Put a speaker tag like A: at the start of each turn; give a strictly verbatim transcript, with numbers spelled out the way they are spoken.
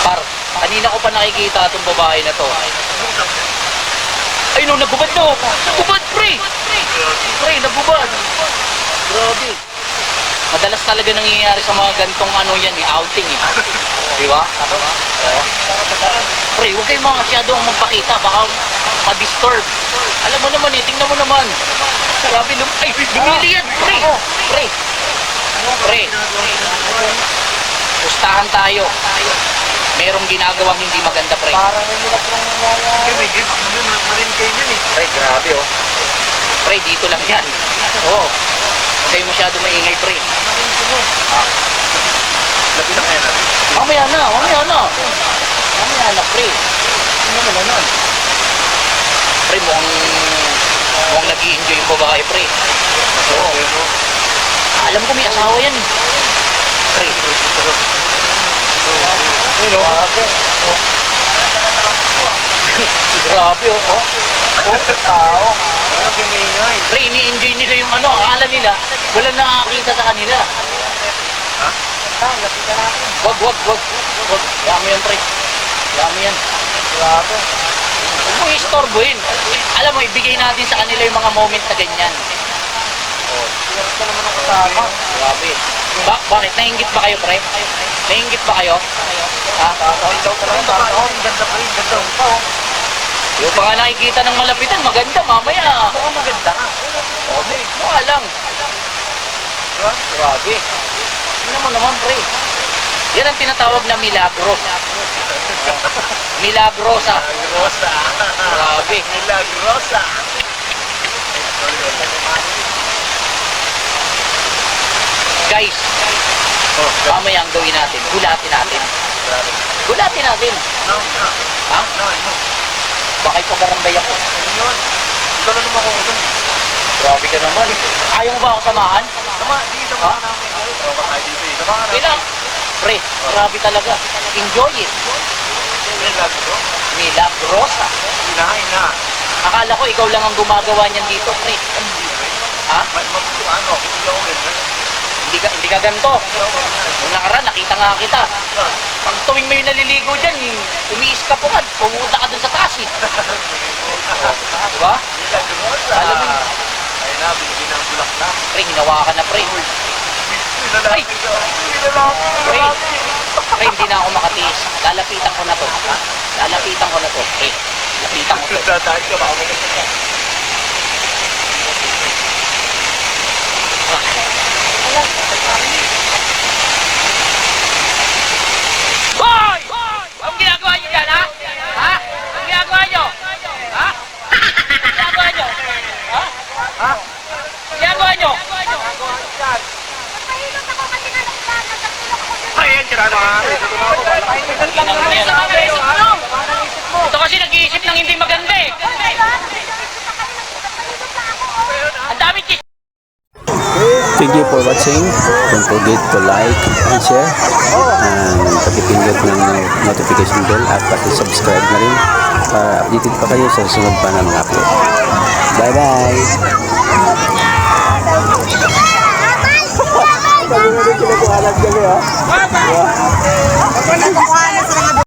A: Par, kanina ko pa nakikita itong babae na to. Ay no, nagubad no. Nagubad, pre. Pre, nagubad. Grabe. Madalas talaga nangyayari sa mga gantong ano yan, eh, outing eh. Di ba? Oo. Pre, huwag kayong mga masyadong magpakita. Baka ma-disturb. Alam mo naman eh, tingnan mo naman. Grabe nung, ay, bumili yan, pre. Pre. Pre. Pustahan tayo. Merong ginagawang hindi maganda, pre.
B: Parang hindi na pong nangyayari.
C: May gift mo na marin kayo yan eh.
A: Pre, grabe oh. Pre, dito lang yan. Oo. Huwag kayo masyado maingay, pre. Ah.
C: Lapit na kaya natin.
A: Mamaya na, mamaya na. Mamaya na, pre. Ano naman na nun? Pre, mukhang, mukhang nag-i-enjoy yung babae, pre. Oo. Alam ko may asawa yan. Pre.
C: Ano?
A: Grabe, oh. Oh,
B: Oh, tao.
C: Ano kimingay?
A: pre, ini-enjoy nila yung ano. Akala nila, wala nakakita sa kanila.
C: Ha?
B: Tao, lapitan natin.
A: Wag, wag, wag. Wag. Dami yan, pre. Dami yan.
B: Grabe.
A: Huwag mo istorbohin. Alam mo, ibigay natin sa kanila yung mga moment na ganyan.
B: Oh, pinag ka naman ang kasama.
A: Grabe. Ba bakit? Nainggit ba kayo, pre? Nainggit ba kayo? Ha?
B: Tatawin daw ka lang. Tatawin.
C: Ganda pa rin, ganda.
B: Oo.
A: Yung pa nga nakikita ng malapitan, maganda, mamaya.
B: Baka maganda ka.
A: Okay. Mukha lang. Grabe. Tingnan mo naman, pre. Yan ang tinatawag na milagro. Milagrosa.
C: Milagrosa.
A: Grabe.
C: Milagrosa.
A: Guys,
C: Oh,
A: mamaya ang gawin natin. Gulatin natin. Gulatin natin.
C: no, no,
A: Ha?
C: no, no.
A: Bakit pagarambay ako?
C: Ano yun? Ikaw na naman kung ito.
A: Grabe ka naman. Ayaw mo ba ako samahan?
C: Sama, di, sama
A: Ha?
C: ka namin. Sama ka tayo dito eh. Sama ka namin.
A: Kailang. Pre, grabe talaga. Enjoy it.
C: Milagro.
A: Milagrosa.
C: Hinahin na.
A: Akala ko ikaw lang ang gumagawa niyan dito, pre.
C: Hindi, pre.
A: Ha?
C: Ma- ma- ano, hindi ako rin. eh.
A: Hindi ka, hindi ka ganito.
C: Hindi ako rin. eh.
A: Nung nakaraan, nakita nga kita. Pag tuwing may naliligo dyan, umiis ka po nga. Pumunta ka dun sa taas eh. Diba?
C: Milagrosa.
A: Alam mo yun.
C: Ayun na, binigyan ng bulaklak.
A: Pre, hinawa ka na, pre.
C: Ay!
A: Pre, pre, hindi na ako makatiis. Lalapitan ko na to. Ha? Lalapitan ko na to. Pre, lapitan ko to.
C: Dadaan ka, baka maganda ka.
A: Hoy! Anong ginagawa niyo dyan, ha? Ha? Anong ginagawa niyo? Ha? Anong ginagawa niyo? Ha?
B: Ha?
A: Anong ginagawa niyo?
B: Nagawa dyan.
C: Ayan, tira na nga.
A: Tingnan mo yan. Ito kasi nag-iisip ng hindi maganda eh. Ang dami chis.
D: Thank you for watching. Don't forget to like and share. And pakipindot ng notification bell at paki-subscribe na rin para updated pa kayo sa susunod pa na mga upload. Bye-bye!
B: Sabi mo rin sila kung alam kami ha.